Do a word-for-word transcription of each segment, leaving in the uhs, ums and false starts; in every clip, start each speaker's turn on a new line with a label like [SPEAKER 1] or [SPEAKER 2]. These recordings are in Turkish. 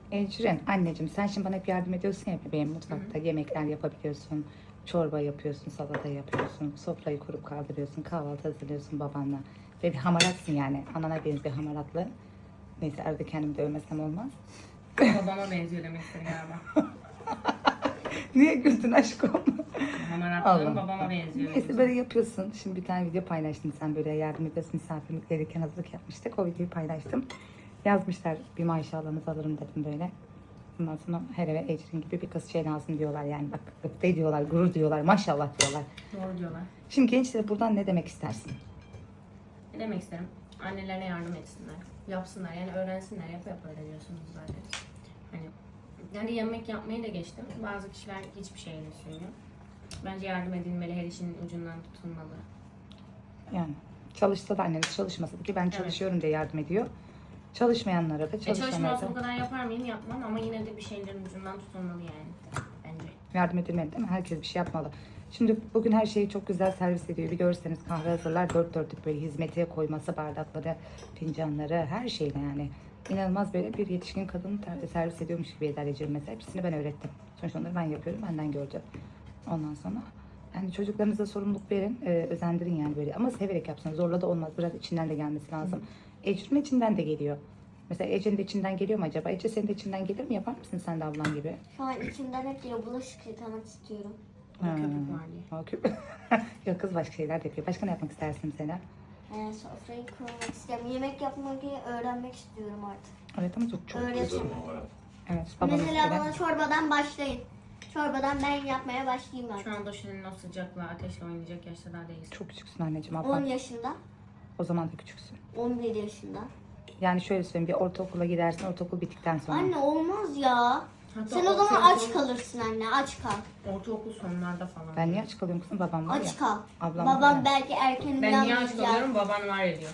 [SPEAKER 1] Ecrin, anneciğim sen şimdi bana hep yardım ediyorsun ya bebeğim mutfakta. Hı hı. Yemekler yapabiliyorsun, çorba yapıyorsun, salata yapıyorsun, sofrayı kurup kaldırıyorsun, kahvaltı hazırlıyorsun babanla. Ve bir hamaratsın yani, anana benziyor hamaratlı. Neyse arada kendimi dövmesem olmaz.
[SPEAKER 2] Babama benziyor demek istedim galiba.
[SPEAKER 1] Niye güldün aşkım?
[SPEAKER 2] Hamaratlığım babama benziyor.
[SPEAKER 1] Neyse böyle yapıyorsun. Şimdi bir tane video paylaştın sen böyle yardım ediyorsun misafirlik verirken hazırlık yapmıştık. O videoyu paylaştım. Yazmışlar bir maşallahınızı alırım dedim böyle. Ondan sonra her eve Ecrin gibi bir kız şey lazım diyorlar yani bak gıpta diyorlar, gurur diyorlar, maşallah diyorlar.
[SPEAKER 2] Doğru diyorlar.
[SPEAKER 1] Şimdi gençlere buradan ne demek istersin?
[SPEAKER 2] Ne demek isterim? Annelerine yardım etsinler. Yapsınlar yani öğrensinler. Yapa yapa öğreniyorsunuz zaten. Hani yani yemek yapmayı da geçtim. Bazı kişiler hiçbir şey söylüyor. Bence yardım edilmeli, her işin ucundan tutulmalı.
[SPEAKER 1] Yani çalışsa da anneniz çalışmasa da ki ben çalışıyorum evet. diye yardım ediyor. Çalışmayanlara da çalışanlara
[SPEAKER 2] da. E bu kadar yapar mıyım? Yapmam ama yine de bir şeylerin ucundan tutulmalı yani. Bence.
[SPEAKER 1] Yardım edilmeli değil mi? Herkes bir şey yapmalı. Şimdi bugün her şeyi çok güzel servis ediyor. Bir görseniz kahve hazırlar dört dörtlük böyle hizmete koyması bardakları, fincanları her şeyle yani. İnanılmaz böyle bir yetişkin kadını servis ediyormuş gibi eder Ecrin mesela. Hepsini ben öğrettim. Sonuçta onları ben yapıyorum, benden gördüm. Ondan sonra yani çocuklarınıza sorumluluk verin, e, özendirin yani böyle. Ama severek yapsın. Zorla da olmaz. Biraz içinden de gelmesi lazım. Ecrin içinden de geliyor. Mesela Ece'nin de içinden geliyor mu acaba? Ece senin de içinden gelir mi? Yapar mısın sen de ablan gibi?
[SPEAKER 3] Şu an içimden hep geliyor. Bulaşık yıkamak istiyorum.
[SPEAKER 2] Ha. Köpük var diye.
[SPEAKER 1] O köpük. Yok kız başka şeyler de yapıyor. Başka ne yapmak istersin mesela?
[SPEAKER 3] Ee, sofrayı kurmak istiyorum. Yemek yapmayı öğrenmek istiyorum artık.
[SPEAKER 1] Evet ama çok çok.
[SPEAKER 3] Öğretim.
[SPEAKER 1] Evet,
[SPEAKER 3] Mesela bana çorbadan başlayın. Çorbadan ben yapmaya başlayayım artık.
[SPEAKER 2] Şu anda senin o sıcakla, ateşle oynayacak yaşta daha değilsin.
[SPEAKER 1] Çok küçüksün anneciğim. Abla.
[SPEAKER 3] on yaşında.
[SPEAKER 1] O zaman da küçüksün.
[SPEAKER 3] on bir yaşında.
[SPEAKER 1] Yani şöyle söyleyeyim, bir ortaokula gidersin, ortaokul bittikten sonra.
[SPEAKER 3] Anne olmaz ya.
[SPEAKER 2] Hatta
[SPEAKER 3] Sen o zaman
[SPEAKER 2] ortaokul-
[SPEAKER 3] aç kalırsın anne, aç kal.
[SPEAKER 2] Ortaokul sonlarda falan.
[SPEAKER 1] Ben niye aç kalıyorum kızım? Babam var ya.
[SPEAKER 3] Aç kal.
[SPEAKER 1] Ablam
[SPEAKER 3] Babam
[SPEAKER 1] var ya.
[SPEAKER 3] belki erken
[SPEAKER 2] Ben niye aç
[SPEAKER 3] uyanmayacak.
[SPEAKER 2] kalıyorum? Baban var ediyor.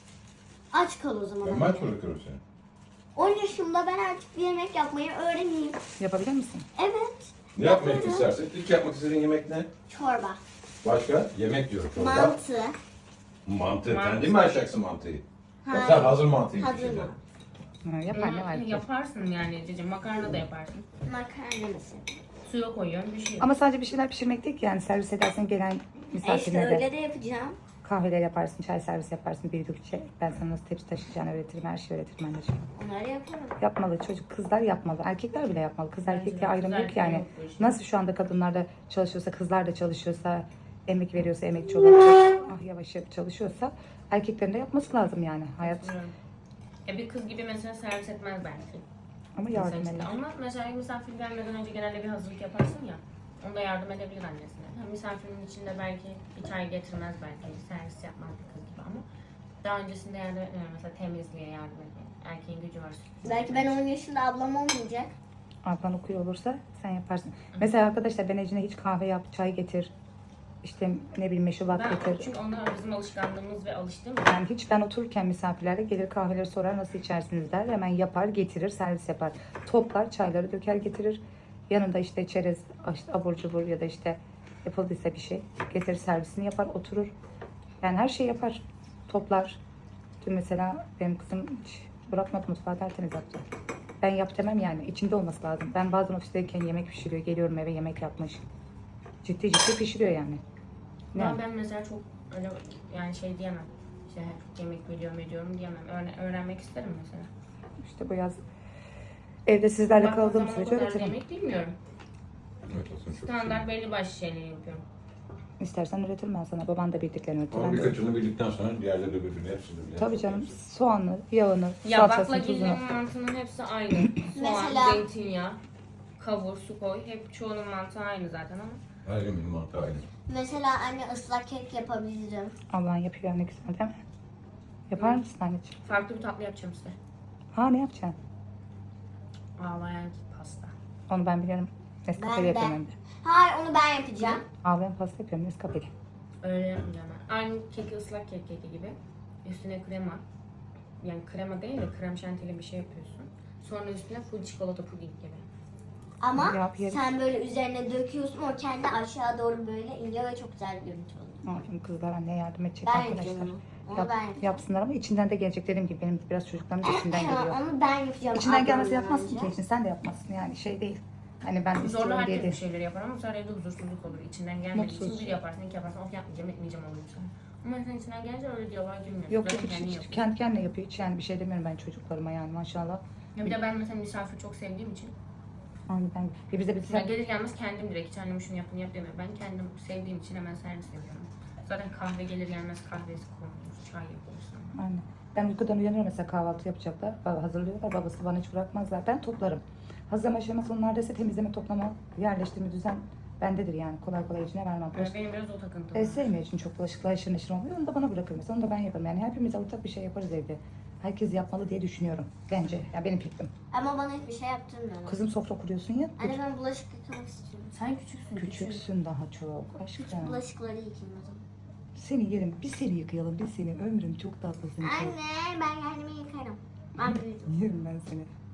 [SPEAKER 3] Aç kal o zaman.
[SPEAKER 4] Ben
[SPEAKER 3] anne.
[SPEAKER 4] maç bırakıyorum seni.
[SPEAKER 3] on yaşımda ben artık bir yemek yapmayı öğreneyim.
[SPEAKER 1] Yapabilir misin?
[SPEAKER 3] Evet.
[SPEAKER 4] Ne yapmak
[SPEAKER 3] Yaparım.
[SPEAKER 4] istersen. İlk yapmak istediğin yemek ne?
[SPEAKER 3] Çorba.
[SPEAKER 4] Başka? Yemek diyorum çorba.
[SPEAKER 3] Mantı.
[SPEAKER 4] Mantı.
[SPEAKER 2] Mantı.
[SPEAKER 4] Kendin mi açacaksın mantıyı?
[SPEAKER 3] Hayır.
[SPEAKER 4] Yoksa hazır mantıyı mı
[SPEAKER 3] Hazır
[SPEAKER 4] pişireceksin?
[SPEAKER 3] mı?
[SPEAKER 1] Ha, yapar ne var
[SPEAKER 2] Hı,
[SPEAKER 1] ki?
[SPEAKER 2] yaparsın yani cicim. Makarna da yaparsın.
[SPEAKER 3] Makarna mesela.
[SPEAKER 2] Suya koyuyorsun bir şey.
[SPEAKER 1] Ama sadece bir şeyler pişirmek değil ki yani servis edersin gelen
[SPEAKER 3] E işte
[SPEAKER 1] misafirlere
[SPEAKER 3] öyle
[SPEAKER 1] de.
[SPEAKER 3] de yapacağım.
[SPEAKER 1] Kahveler yaparsın, çay servis yaparsın, bir şey. Ben sana nasıl tepsi taşıyacağını öğretirim, her şeyi öğretirim anneciğim.
[SPEAKER 3] Onları yaparım.
[SPEAKER 1] Yapmalı çocuk, kızlar yapmalı, erkekler bile yapmalı. Kız
[SPEAKER 2] Bence
[SPEAKER 1] erkek
[SPEAKER 2] de.
[SPEAKER 1] diye ayrım
[SPEAKER 2] Kız
[SPEAKER 1] yok
[SPEAKER 2] erkek
[SPEAKER 1] yani.
[SPEAKER 2] yok bu işin.
[SPEAKER 1] Nasıl şu anda kadınlar da çalışıyorsa, kızlar da çalışıyorsa, emek veriyorsa, emekçi olarak ah yavaş yavaş çalışıyorsa erkeklerin de yapması lazım yani hayat.
[SPEAKER 2] Katılıyorum. Ya bir kız gibi mesela servis etmez belki.
[SPEAKER 1] Ama yardım
[SPEAKER 2] Mesela işte.
[SPEAKER 1] eder.
[SPEAKER 2] Ama mesela misafir gelmeden önce genelde bir hazırlık yaparsın ya. Onda yardım edebilir annesine. Ha, misafirin içinde belki bir çay getirmez belki. Servis yapmaz bir kız gibi ama daha öncesinde yardım etmiyor. Mesela temizliğe yardım etmiyor. Erkeğin gücü var.
[SPEAKER 3] Belki ben on yaşında ablam olmayacak.
[SPEAKER 1] Ablan okuyor olursa sen yaparsın. Mesela arkadaşlar ben Ece'ne hiç kahve yap, çay getir. İşte ne bileyim meşrubat
[SPEAKER 2] Ben,
[SPEAKER 1] getir.
[SPEAKER 2] çünkü onlar bizim alışkanlığımız ve alıştığımız.
[SPEAKER 1] Yani hiç ben otururken misafirlerle gelir kahveleri sorar nasıl içersiniz der. Hemen yapar getirir servis yapar. Toplar çayları döker getirir. Yanında işte çerez, işte abur cubur ya da işte yapıldıysa bir şey getirir servisini yapar oturur. Yani her şey yapar. Toplar. Dün mesela benim kızım hiç bırakmadı mutfağı tertemiz yaptı. Ben yap demem yani içinde olması lazım. Ben bazen ofisteyken yemek pişiriyor. Geliyorum eve yemek yapmış. Ciddi ciddi pişiriyor yani. Ne?
[SPEAKER 2] Ama ben mesela çok öyle yani şey diyemem. İşte çok yemek biliyorum ediyorum diyemem. Öğren- öğrenmek isterim mesela.
[SPEAKER 1] İşte bu yaz evde sizlerle
[SPEAKER 2] Baktığım
[SPEAKER 1] kaldığım
[SPEAKER 2] zaman o
[SPEAKER 1] sürece
[SPEAKER 2] kadar
[SPEAKER 1] öğretirim.
[SPEAKER 2] yemek bilmiyorum.
[SPEAKER 4] Evet olsun çok
[SPEAKER 2] Standart belli başlı şeyleri yapıyorum.
[SPEAKER 1] İstersen öğretirim ben sana. Baban da bildiklerini öğretir.
[SPEAKER 4] Ama
[SPEAKER 1] Ben de-
[SPEAKER 4] birkaçını bildikten sonra diğerleri de birbirine hepsini bilir.
[SPEAKER 1] Tabii canım. Soğanı, yağını,
[SPEAKER 2] Ya
[SPEAKER 1] salçasını,
[SPEAKER 2] baklagillerin
[SPEAKER 1] tuzunu.
[SPEAKER 2] mantının hepsi aynı. Soğan,
[SPEAKER 3] Mesela-
[SPEAKER 2] zeytinyağı, kavur, su koy. Hep çoğunun mantığı aynı zaten ama.
[SPEAKER 4] Her yemin mantığı aynı.
[SPEAKER 3] Mesela anne ıslak kek yapabilirim.
[SPEAKER 1] Ablan yapıyor ne güzel değil mi? Yapar mısın anneciğim?
[SPEAKER 2] Farklı bir tatlı yapacağım size.
[SPEAKER 1] Ha ne yapacaksın?
[SPEAKER 2] Ağlayan pasta.
[SPEAKER 1] Onu ben biliyorum. Nescafe'li
[SPEAKER 3] Ben de.
[SPEAKER 1] yapıyorum hem de.
[SPEAKER 3] Hayır onu ben yapacağım.
[SPEAKER 1] Ağlayan pasta yapıyorum Nescafe'li.
[SPEAKER 2] Öyle yapmayacağım ben. Aynı keki ıslak kek keki gibi. Üstüne krema. Yani krema değil de krem şantili bir şey yapıyorsun. Sonra üstüne full çikolata puding gibi.
[SPEAKER 3] Ama
[SPEAKER 1] Yap, yerim.
[SPEAKER 3] sen böyle üzerine döküyorsun o kendi aşağı doğru böyle iniyor ve çok güzel bir görüntü oluyor.
[SPEAKER 1] Ne yapayım kızlar anneye yardım edecek
[SPEAKER 3] Ben
[SPEAKER 1] arkadaşlar.
[SPEAKER 3] yapacağım Onu
[SPEAKER 1] Yap-
[SPEAKER 3] ben yapacağım.
[SPEAKER 1] yapsınlar ama içinden de gelecek. Dediğim gibi benim biraz çocuklarım da içinden
[SPEAKER 3] Ya,
[SPEAKER 1] geliyor.
[SPEAKER 3] onu ben yapacağım.
[SPEAKER 1] İçinden gelmesi
[SPEAKER 3] ablamdan
[SPEAKER 1] yapmazsın
[SPEAKER 3] önce.
[SPEAKER 1] ki için. Sen de yapmazsın yani şey değil. Hani ben
[SPEAKER 2] Zorla
[SPEAKER 1] istiyorum diye
[SPEAKER 2] herkes bir
[SPEAKER 1] değil.
[SPEAKER 2] şeyleri yapar ama sonra evde huzursuzluk olur. İçinden gelmediği
[SPEAKER 1] Mutsuz.
[SPEAKER 2] için bir yaparsın, iki yaparsın, of yapmayacağım, etmeyeceğim olur sonra. Ama sen içinden gelince öyle diyaloğa girmiyorsun.
[SPEAKER 1] Yok yok
[SPEAKER 2] Zaten
[SPEAKER 1] hiç,
[SPEAKER 2] kendin
[SPEAKER 1] hiç,
[SPEAKER 2] yapıyorsun.
[SPEAKER 1] kendi kendine yapıyor. Hiç yani bir şey demiyorum ben çocuklarıma yani maşallah.
[SPEAKER 2] Ya bir de ben mesela misafir çok sevdiğim için
[SPEAKER 1] Yani ben ya bize bir
[SPEAKER 2] mesela gelir gelmez kendim direkt hiç annem şunu yapın yap demiyorum. Ben kendim sevdiğim için hemen servis ediyorum. Zaten kahve gelir gelmez kahvesi konulur, çay yapılır sonra.
[SPEAKER 1] Aynen. Ben uykudan uyanıyorum mesela kahvaltı yapacaklar. Baba hazırlıyorlar. Babası bana hiç bırakmazlar. Ben toplarım. Hazırlama aşaması onlardaysa temizleme, toplama, yerleştirme, düzen bendedir yani. Kolay kolay içine vermem.
[SPEAKER 2] Yani benim biraz o takıntım
[SPEAKER 1] E,
[SPEAKER 2] var.
[SPEAKER 1] sevmiyor için çok bulaşıklar aşırı neşir olmuyor. Onu da bana bırakır mesela. Onu da ben yaparım. Yani hepimiz ortak bir şey yaparız evde. Herkes yapmalı diye düşünüyorum. Bence. Ya benim fikrim.
[SPEAKER 3] Ama bana hiçbir şey yaptırmıyorlar.
[SPEAKER 1] Kızım sofra kuruyorsun ya.
[SPEAKER 3] Anne ben bulaşık yıkamak istiyorum.
[SPEAKER 2] Sen küçüksün.
[SPEAKER 1] Küçüksün daha çok. Aşkım.
[SPEAKER 3] Küçük bulaşıkları yıkayayım o zaman.
[SPEAKER 1] Seni yerim. Bir seni yıkayalım. Bir seni. Ömrüm çok tatlısın. Çok.
[SPEAKER 3] Anne ben kendimi yıkarım. Ben büyüdüm.
[SPEAKER 1] Yerim ben seni.